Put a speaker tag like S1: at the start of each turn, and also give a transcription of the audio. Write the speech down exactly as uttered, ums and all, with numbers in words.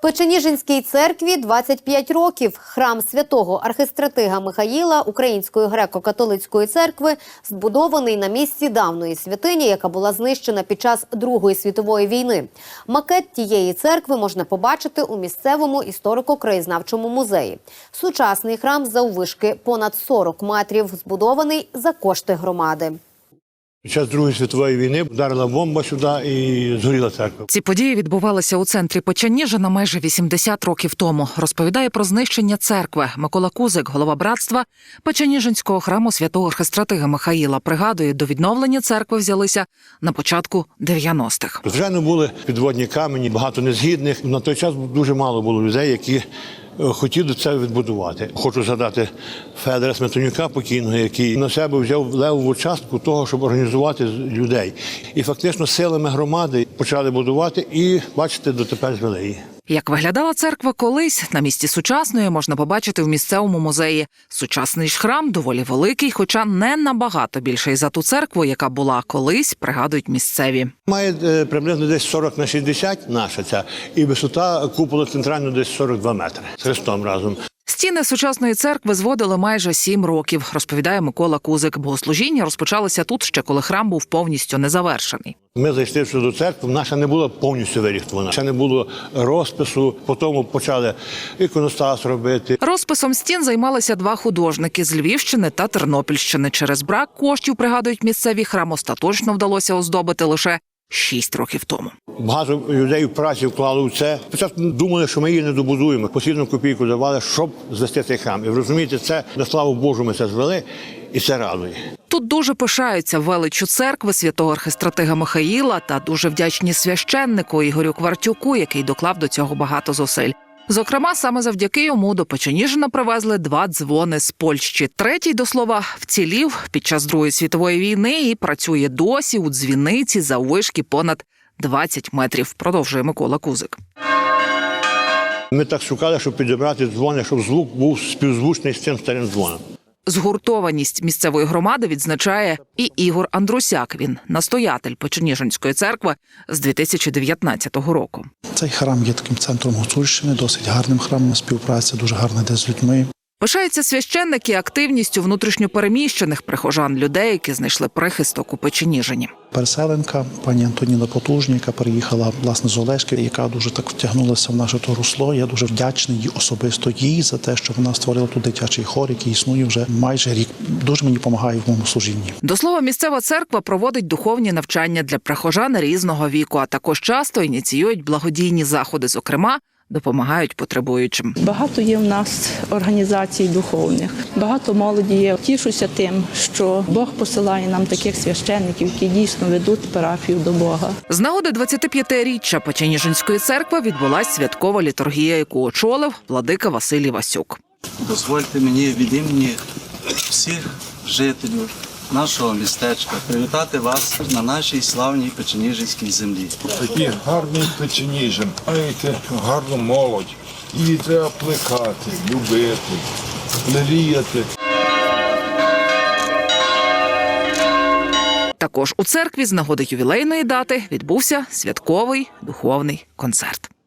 S1: Печеніжинській церкві двадцять п'ять років. Храм святого архистратига Михаїла Української греко-католицької церкви збудований на місці давньої святині, яка була знищена під час Другої світової війни. Макет тієї церкви можна побачити у місцевому історико-краєзнавчому музеї. Сучасний храм заввишки понад сорок метрів, збудований за кошти громади.
S2: Під час Другої світової війни вдарила бомба сюди і згоріла церква.
S3: Ці події відбувалися у центрі Печеніжина майже вісімдесят років тому. Розповідає про знищення церкви Микола Кузик, голова братства Печеніжинського храму святого архистратига Михаїла. Пригадує, до відновлення церкви взялися на початку дев'яностих.
S2: Звичайно, були підводні камені, багато незгідних. На той час дуже мало було людей, які хотіли це відбудувати. Хочу згадати Федора Сметанюка покійного, який на себе взяв левову частку того, щоб організувати людей. І фактично силами громади почали будувати і, бачите, дотепер звели її.
S3: Як виглядала церква колись, на місці сучасної можна побачити в місцевому музеї. Сучасний ж храм доволі великий, хоча не набагато більший за ту церкву, яка була колись, пригадують місцеві.
S2: Має е, приблизно десь сорок на шістдесят наша ця, і висота купола центрального десь сорок два метри з хрестом разом.
S3: Стіни сучасної церкви зводили майже сім років, розповідає Микола Кузик. Богослужіння розпочалося тут ще коли храм був повністю незавершений.
S2: Ми зайшли до церкви, наша не була повністю виріхтована. Ще не було розпису, потім почали іконостас робити.
S3: Розписом стін займалися два художники з Львівщини та Тернопільщини. Через брак коштів, пригадують місцеві, храм остаточно вдалося оздобити лише шість років тому.
S2: Багато людей в праці вклали в це. Спочатку думали, що ми її не добудуємо. Постійну копійку давали, щоб звести цей храм. І ви розумієте, це, на славу Божу, ми це звели, і це радує.
S3: Тут дуже пишаються величчю церкви святого архистратига Михаїла та дуже вдячні священнику Ігорю Квартюку, який доклав до цього багато зусиль. Зокрема, саме завдяки йому до Печеніжина привезли два дзвони з Польщі. Третій, до слова, вцілів під час Другої світової війни і працює досі у дзвіниці заввишки понад двадцять метрів, продовжує Микола Кузик.
S2: Ми так шукали, щоб підібрати дзвони, щоб звук був співзвучний з цим старим дзвоном.
S3: Згуртованість місцевої громади відзначає і Ігор Андрусяк. Він настоятель Печеніжинської церкви з дві тисячі дев'ятнадцятого року.
S4: Цей храм є таким центром Гуцульщини, досить гарним храмом, співпраця дуже гарна де з людьми.
S3: Пишаються священники активністю внутрішньопереміщених прихожан, людей, які знайшли прихисток у Печеніжині.
S4: Переселенка, пані Антоніна Потужня, яка переїхала, власне, з Олешки, яка дуже так втягнулася в наше то русло. Я дуже вдячний їй, особисто їй за те, що вона створила тут дитячий хор, який існує вже майже рік. Дуже мені допомагає в моєму служінні.
S3: До слова, місцева церква проводить духовні навчання для прихожан різного віку, а також часто ініціюють благодійні заходи, зокрема, допомагають потребуючим.
S5: Багато є в нас організацій духовних, багато молоді є. Тішуся тим, що Бог посилає нам таких священників, які дійсно ведуть парафію до Бога.
S3: З нагоди двадцятип'ятиріччя Печеніжинської церкви відбулась святкова літургія, яку очолив владика Василій Васюк.
S6: Дозвольте мені від імені всіх жителів нашого містечка привітати вас на нашій славній Печеніжинській землі.
S7: Такий гарний Печеніжин, маєте гарну молодь. Її треба плекати, любити, леліяти.
S3: Також у церкві з нагоди ювілейної дати відбувся святковий духовний концерт.